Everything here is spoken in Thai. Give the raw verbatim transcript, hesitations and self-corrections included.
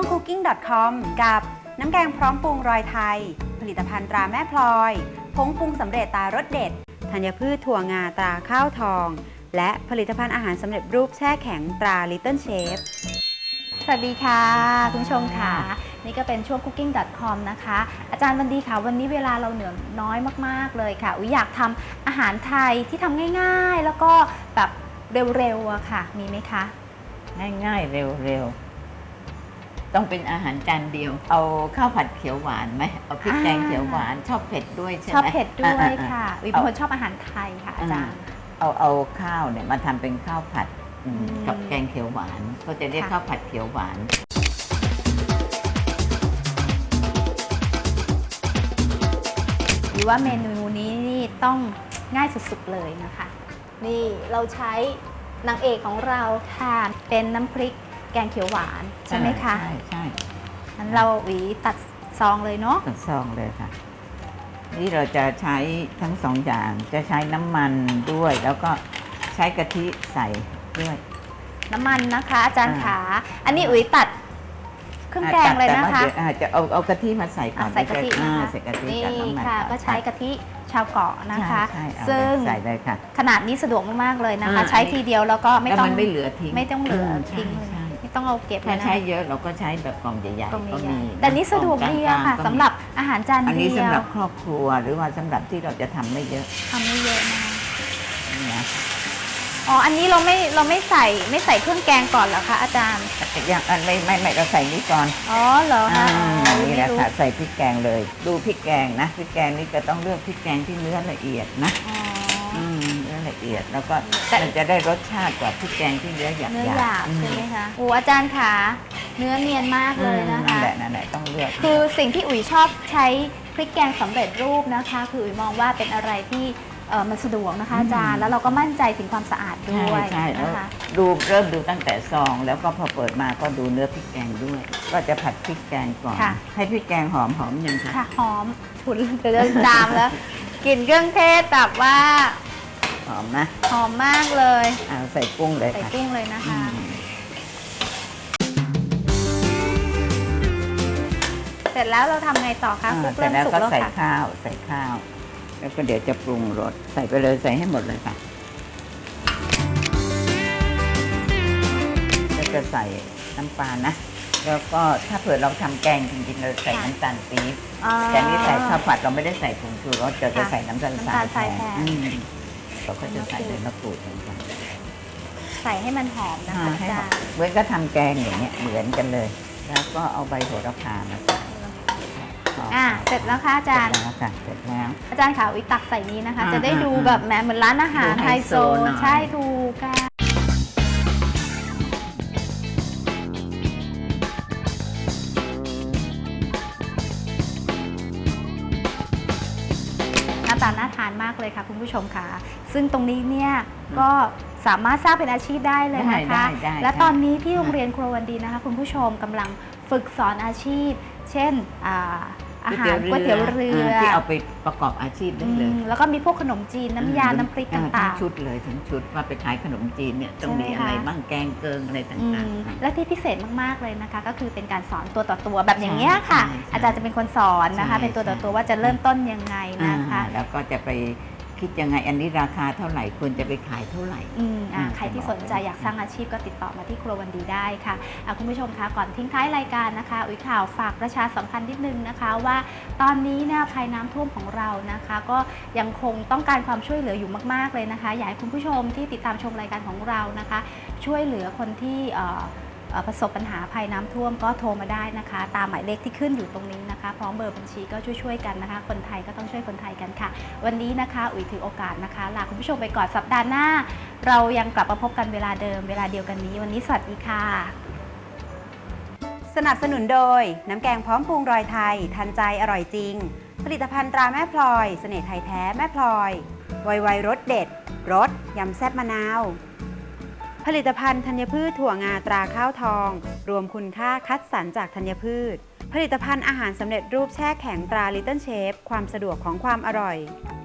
ง คุกกิ้ง ดอท คอม กับน้ำแกงพร้อมปรุงรอยไทยผลิตภัณฑ์ตราแม่พลอยผงปรุงสำเร็จตารสเด็ดธัญพืชถั่วงาตราข้าวทองและผลิตภัณฑ์อาหารสำเร็จรูปแช่แข็งตรา ลิตเติ้ลเชฟ สวัสดีค่ะคุณผู้ชมค่ะนี่ก็เป็นช่วง คุกกิ้ง ดอท คอม นะคะอาจารย์วันดีค่ะวันนี้เวลาเราเหลือน้อยมากๆเลยค่ะอุ๊ยอยากทำอาหารไทยที่ทำง่ายๆแล้วก็แบบเร็วๆอะค่ะมีไหมคะง่ายๆเร็วๆต้องเป็นอาหารจานเดียวเอาข้าวผัดเขียวหวานไหมเอาพริกแกงเขียวหวานชอบเผ็ดด้วยใช่ไหมชอบเผ็ดด้วยค่ะอุ๊ยเป็นคนชอบอาหารไทยค่ะอาจารย์เอาเอาข้าวเนี่ยมาทำเป็นข้าวผัดกับแกงเขียวหวานเขาจะเรียกข้าวผัดเขียวหวานหรือว่าเมนูนี้นี่ต้องง่ายสุดๆเลยนะคะนี่เราใช้นางเอกของเราทานเป็นน้ำพริกแกงเขียวหวานใช่ไหมคะใช่ใช่งั้นเราหวีตัดซองเลยเนาะตัดซองเลยค่ะนี่เราจะใช้ทั้งสองอย่างจะใช้น้ำมันด้วยแล้วก็ใช้กะทิใส่ด้วยน้ำมันนะคะอาจารย์ขาอันนี้อุ๋ยตัดเครื่องแกงเลยนะคะจะเอาเอากะทิมาใส่ก่อนใส่กะทินะคะใส่กะทินี่ค่ะก็ใช้กะทิชาวเกาะนะคะซึ่งใส่เลยค่ะขนาดนี้สะดวกมากๆเลยนะคะใช้ทีเดียวแล้วก็ไม่ต้องไม่เหลือทิ้งไม่ต้องเหลือทิ้งไม่ต้องเอาเก็บถ้าใช้เยอะเราก็ใช้แบบกล่องใหญ่ๆก็มีแต่นี้สะดวกดีค่ะสำหรับอาหารจานเดียวอันนี้สำหรับครอบครัวหรือว่าสำหรับที่เราจะทำไม่เยอะทำไม่เยอะนะคะอ๋ออันนี้เราไม่เราไม่ใส่ไม่ใส่เครื่องแกงก่อนเหรอคะอาจารย์อย่างอันไม่ไม่ไม่เราใส่นี้ก่อนอ๋อเหรอคะนี่แหละค่ะใส่พริกแกงเลยดูพริกแกงนะพริกแกงนี่จะต้องเลือกพริกแกงที่เนื้อละเอียดนะเนื้อละเอียดแล้วก็มันจะได้รสชาติกว่าพริกแกงที่เนื้อหยาบเนื้อหยาบใช่ไหมคะโอ้อาจารย์ขาเนื้อเนียนมากเลยนะคะนั่นแหละนั่นแหละต้องเลือกคือสิ่งที่อุ๋ยชอบใช้พริกแกงสำเร็จรูปนะคะคืออุ๋ยมองว่าเป็นอะไรที่มันสะดวกนะคะอาจารย์แล้วเราก็มั่นใจถึงความสะอาดด้วยใช่นะคะดูเริ่มดูตั้งแต่ซองแล้วก็พอเปิดมาก็ดูเนื้อพริกแกงด้วยก็จะผัดพริกแกงก่อนให้พริกแกงหอมหอมยังคะค่ะหอมฉุนจะเริ่มจามแล้วกลิ่นเครื่องเทศแบบว่าหอมนะหอมมากเลยเอาใส่กุ้งเลยใส่กุ้งเลยนะคะเสร็จแล้วเราทำไงต่อคะเสร็จแล้วก็ใส่ข้าวใส่ข้าวแล้วก็เดี๋ยวจะปรุงรสใส่ไปเลยใส่ให้หมดเลยค่ะแล้วจะใส่น้ำปลานะแล้วก็ถ้าเผื่อเราทำแกงจริงๆเราใส่น้ำตาลปี๊บแต่นี่ใส่ข้าวผัดเราไม่ได้ใส่ผงชูรสจะจะใส่น้ำตาลทรายแทนเราก็จะใส่ใบมะกรูดเหมือนกันใส่ให้มันหอมนะคะอาจารย์เหมือนก็ทำแกงอย่างเงี้ยเหมือนกันเลยแล้วก็เอาใบโหระพามาใส่อ่ะเสร็จแล้วค่ะอาจารย์เสร็จแล้วค่ะเสร็จแล้วอาจารย์ค่ะวิตักใส่นี้นะคะจะได้ดูแบบแหมเหมือนร้านอาหารไฮโซใช่ดูค่ะหน้าตาน่าทานมากเลยค่ะคุณผู้ชมค่ะซึ่งตรงนี้เนี่ยก็สามารถสร้างเป็นอาชีพได้เลยนะคะและตอนนี้ที่โรงเรียนครัววันดีนะคะคุณผู้ชมกำลังฝึกสอนอาชีพเช่นอาหารก๋วยเตี๋ยวเรือที่เอาไปประกอบอาชีพได้เลยแล้วก็มีพวกขนมจีนน้ำยาน้ำพริกต่างๆทั้งชุดเลยทั้งชุดว่าไปขายขนมจีนเนี่ยต้องมีอะไรบ้างแกงเกิงอะไรต่างๆและที่พิเศษมากๆเลยนะคะก็คือเป็นการสอนตัวต่อตัวแบบอย่างเงี้ยค่ะอาจารย์จะเป็นคนสอนนะคะเป็นตัวต่อตัวว่าจะเริ่มต้นยังไงนะคะแล้วก็จะไปคิดยังไงอันนี้ราคาเท่าไหร่ควรจะไปขายเท่าไหร่อืมอ่าใครที่สนใจอยากสร้างอาชีพก็ติดต่อมาที่ครัววันดีได้ค่ะคุณผู้ชมคะก่อนทิ้งท้ายรายการนะคะอุ๋ยข่าวฝากประชาสัมพันธ์นิดนึงนะคะว่าตอนนี้เนี่ยภัยน้ำท่วมของเรานะคะก็ยังคงต้องการความช่วยเหลืออยู่มากๆเลยนะคะอยากให้คุณผู้ชมที่ติดตามชมรายการของเรานะคะช่วยเหลือคนที่ประสบปัญหาภัยน้ำท่วมก็โทรมาได้นะคะตามหมายเลขที่ขึ้นอยู่ตรงนี้นะคะพร้อมเบอร์บัญชีก็ช่วยๆกันนะคะคนไทยก็ต้องช่วยคนไทยกันค่ะวันนี้นะคะอุ๋ยถือโอกาสนะคะลาคุณผู้ชมไปก่อนสัปดาห์หน้าเรายังกลับมาพบกันเวลาเดิมเวลาเดียวกันนี้วันนี้สวัสดีค่ะสนับสนุนโดยน้ำแกงพร้อมปรุงรอยไทยทันใจอร่อยจริงผลิตภัณฑ์ตราแม่พลอยเสน่ห์ไทยแท้แม่พลอยไวไวรสเด็ดรสยำแซ่บมะนาวผลิตภัณฑ์ธัญพืชถั่วงาตราข้าวทองรวมคุณค่าคัดสรรจากธัญพืชผลิตภัณฑ์อาหารสำเร็จรูปแช่แข็งตรา ลิตเติ้ลเชฟ ความสะดวกของความอร่อย